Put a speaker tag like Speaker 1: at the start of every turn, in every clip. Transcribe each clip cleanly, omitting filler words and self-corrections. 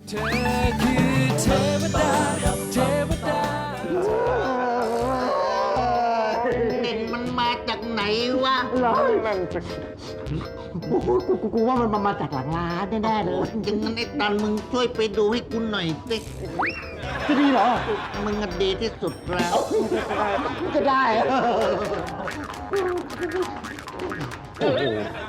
Speaker 1: เธอคือเทวดาเทวดา
Speaker 2: เด่นมันมาจากไหนวะ
Speaker 3: กูว่ามันมาจากหลังร้านแน่ๆเลย
Speaker 2: อย่างนั้นไอ้ตันมึงช่วยไปดูให้กูหน่อยสิ
Speaker 3: จะดีเหรอ
Speaker 2: มึงอะดีที่สุดแล้ว
Speaker 3: ก็ได้
Speaker 4: โอ้โห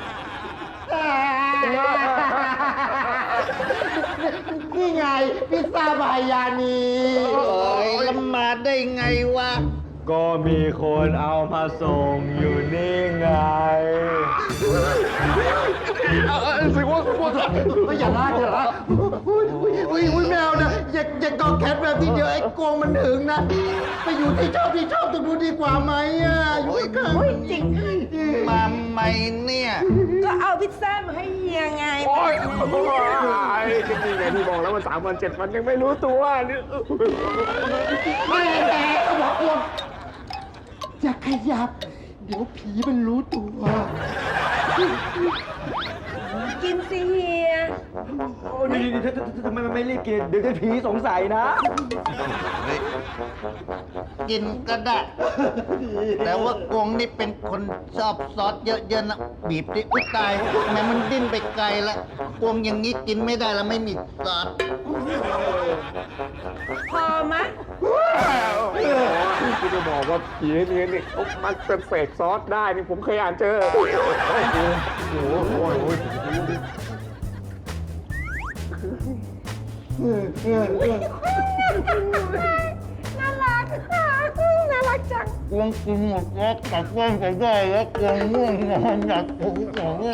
Speaker 3: นี่ไงพิซซ่าบายานี
Speaker 2: โอ้ยแล้วมาได้ไงวะ
Speaker 4: ก็มีคนเอามาส่งอยู่นี่ไงสิว่า
Speaker 3: ไม่อย่าลากอย่าลากอุ้ยแมวนะอย่ากอดแคทแบบนี้เดี๋ยวไอ้กวงมันถึงนะ ไปอยู่ที่ชอบตรงนู้นดีกว่าไหมอ่ะอยู่ข้าง
Speaker 5: จริง
Speaker 2: มาใหม่เนี่ย
Speaker 5: ก็เอาพิซซ่ามาให้เฮียไง
Speaker 4: โอ้ยจริงๆไงที่บอกแล้วมัน3 วัน 7 วันยังไม่รู้ตัวนี่
Speaker 3: ไม่แน่ก็บอกกวงอย่าขยับ เดี๋ยวผีมันรู้ตัว
Speaker 5: กินสิเฮีย
Speaker 4: นี่ทำไมมันไม่รีบกินเดี๋ยวจะผีสงสัยนะ
Speaker 2: กินก็ได้ แต่ว่ากงนี่เป็นคนชอบซอสเยอะๆนะบีบดิอุ๊ยตายทำไมมันดิ้นไปไกลละกงอย่างนี้กินไม่ได้แล้วไม่มีซอส
Speaker 5: พอมะ
Speaker 4: ที่จะบอกว่าผีนี่เขามันเป็นเฟกซอสได้นี่ผมเคยอ่านเจอโอ้โห
Speaker 5: น่ารักน่ารักจัง
Speaker 2: กวงกินหมดแล้วกับกวงก็ได้แล้วกวงง่วงนอนอยากถูของเนี่ย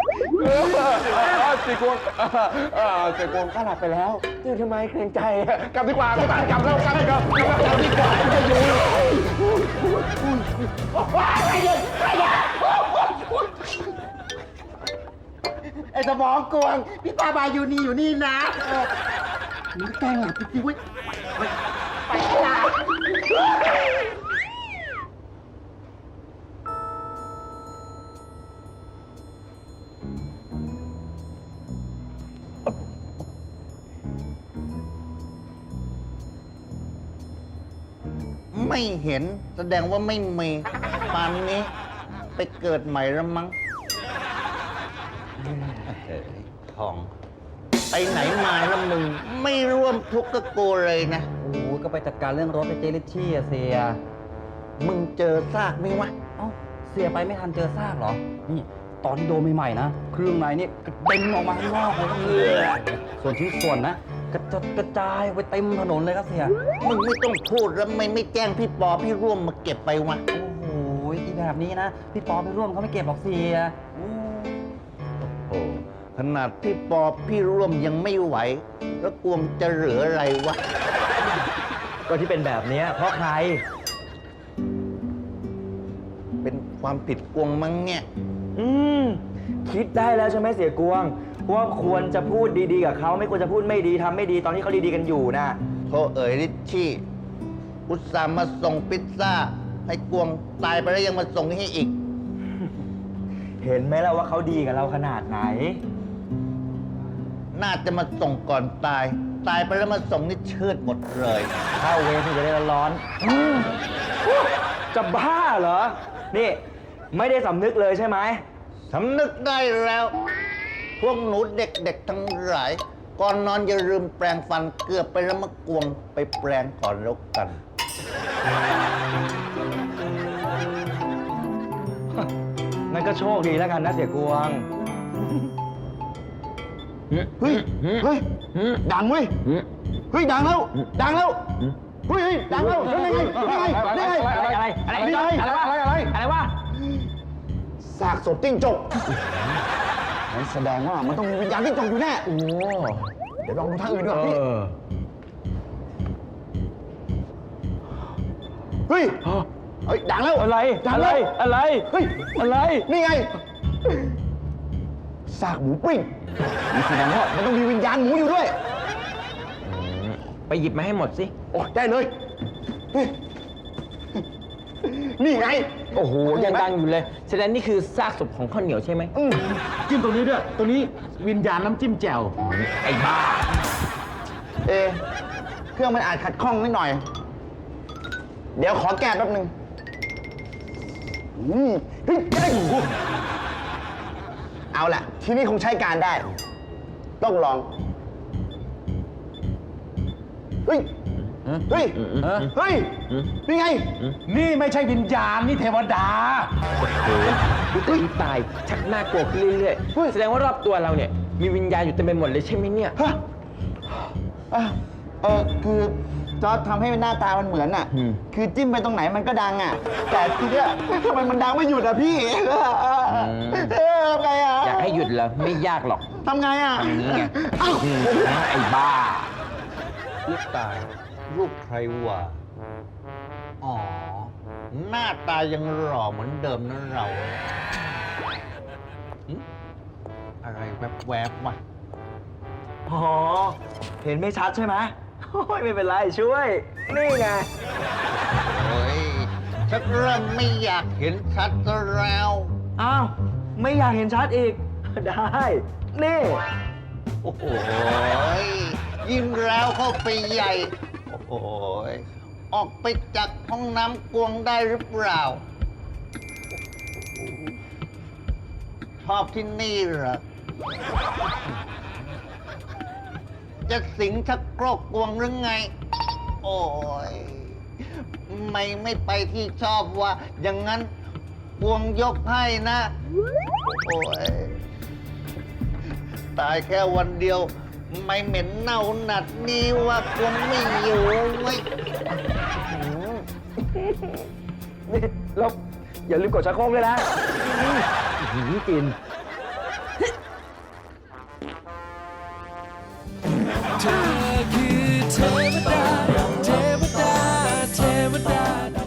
Speaker 4: สีกวงสีกวงก็หลับไปแล้วตื่นทำไมเกรงใจกลับดีกว่ากลับแล้วกลับดีกว่าจะอยู่
Speaker 3: ไอ้สมองกวงพิซซ่าบายานีอยู่นี่นะมึงแกล้งหลับจริงๆเว้ยไปละ
Speaker 2: ไม่เห็นแสดงว่าไม่มีปานนี้ไปเกิดใหม่แล้วมั้งทอง ไปไหนมาแล้วมึง ไม่ร่วมทุกข์กับกูเลยนะ
Speaker 6: โอ้ยก็ไปจัดการเรื่องรถไปเจลิชชี่อะเสีย
Speaker 2: มึงเจอซากไหมวะ
Speaker 6: เอ้า เสียไปไม่ทันเจอซากเหรอ นี่ ตอนที่โดนใหม่ๆนะ เครื่องในนี่กระเด็นออกมาข้างนอกเลยครับเสียส่วนชิ้นส่วนนะ กระจัดกระจายไปเต็มถนนเลยครับเสีย
Speaker 2: มึงไม่ต้องพูดแล้วไม่แจ้งพี่ปอพี่ร่วมมาเก็บไปวะ
Speaker 6: โอ้โหอีแบบนี้นะ พี่ปอไปร่วมเขาไม่เก็บหรอกเสียโอ้
Speaker 2: โอ้ขนาดพี่ปอพี่ร่วมยังไม่ไหว แล้วกวงจะเหลืออะไรวะ
Speaker 4: ก็ที่เป็นแบบนี้เพราะใคร
Speaker 2: เป็นความผิดกวงมั้งเนี่ย
Speaker 4: คิดได้แล้วใช่ไหมเสียกวงว่าควรจะพูดดีๆกับเขาไม่ควรจะพูดไม่ดีทำไม่ดีตอนที่เขาดีๆกันอยู่นะ
Speaker 2: โทษเอ๋ยริชชี่อุตส่าห์มาส่งพิซซ่า ให้กวงตายไปแล้วยังมาส่งให้อีก
Speaker 4: เห็นไหมล่ะว่าเขาดีกับเราขนาดไหน
Speaker 2: น่าจะมาส่งก่อนตาย ตายไปแล้วมาส่งนี่เชิดหมดเลย
Speaker 4: เข้าเวรที่จะได้ร้อนจะบ้าเหรอ นี่ ไม่ได้สำนึกเลยใช่ไหม
Speaker 2: สำนึกได้แล้ว พวกหนูเด็กๆทั้งหลาย ก่อนนอนอย่าลืมแปรงฟันเกือบไปแล้วมากวงไปแปรงก่อนแล้วกัน
Speaker 4: งั้นก็โชคดีแล้วกันนะเสียกวง
Speaker 3: เฮ้ยดังเว้ยเฮ้ยดังแล้วดังแล้วเฮ้ยดังแล้วนี่ไงนี่ไงนี่ไงอะไรวะซากศพจิ้งจกนั่นแสดงว่ามันต้องมีวิญญาณจิ้งจกอยู่แน่โอ้เดี๋ยวลองดูทางอื่นดีกว่าพี่เฮ้ยเฮ้ยดังแล้วอะไรดังแล้วอะไรเฮ้ยอะไรนี่ไงซากหมูปิ้งนี่แสดงว่ามันต้องมีวิญญาณหมูอยู่ด้วย
Speaker 7: ไปหยิบมาให้หมดสิ
Speaker 3: โอ้ได้เลยเฮ้ยนี่ไง
Speaker 7: โอ้โห ยังดังอยู่เลย แสดงนี่คือซากศพของข้าวเหนียวใช่ไหม
Speaker 3: จิ้มตรงนี้ด้วย ตรงนี้วิญญาณน้ำจิ้มแจ่ว
Speaker 7: ไอ้บ้า
Speaker 3: เครื่องมันอาจขัดข้องนิดหน่อย เดี๋ยวขอแก้แป๊บนึงเฮ้ยเอาล่ะ ที่นี่คงใช้การได้ ต้องลอง เฮ้ย เฮ้ย เฮ้ย นี่ไง
Speaker 1: นี่ไม่ใช่วิญญาณ นี่เทวดา
Speaker 7: อุ๊ยตายชักน่ากลัวขึ้นเรื่อยๆ แสดงว่ารอบตัวเราเนี่ย มีวิญญาณอยู่เต็มไปหมดเลยใช่ไหมเนี่ย
Speaker 3: ฮะคือจอร์จทำให้หน้าตามันเหมือนอ่ะ คือจิ้มไปตรงไหนมันก็ดังอ่ะ แต่ทีเนี้ยทำไมมันดังไม่หยุดอ่ะพี่ทำไงอ่ะ
Speaker 7: อยากให้หยุดเหรอ ไม่ยากหรอก
Speaker 3: ทำไงอ่ะ
Speaker 7: ทำนี้ไง
Speaker 3: เอ้า
Speaker 7: ไอ้บ้า
Speaker 2: ลูกตายลูกใครวะอ๋อ หน้าตายังหล่อเหมือนเดิมนะเราหึอะไรแวบๆวะ
Speaker 4: อ๋อ เห็นไม่ชัดใช่ไหมโอ้ยไม่เป็นไรช่วย นี่ไง
Speaker 2: โอ้ยชักเริ่มไม่อยากเห็นชัดซะแล้ว
Speaker 4: อ้าว ไม่อยากเห็นชัดอีก ได้ นี่
Speaker 2: โอ้โหยิ่งแล้วเข้าไปใหญ่ โอ้โหออกไปจากห้องน้ำกวงได้หรือเปล่า ชอบที่นี่เหรอ จะสิงชักโครกกวงหรือไง โอ้ยไม่ไปที่ชอบว่า อย่างนั้นกวงยกให้นะ โอ้ย ตายแค่วันเดียว ไม่เหม็นเน่าหนัดนี้ว่าคงไม่อยู่เว้ย
Speaker 4: นี่แล้วอย่าลืมกดชักโครกด้วยนะกิน
Speaker 1: เธอ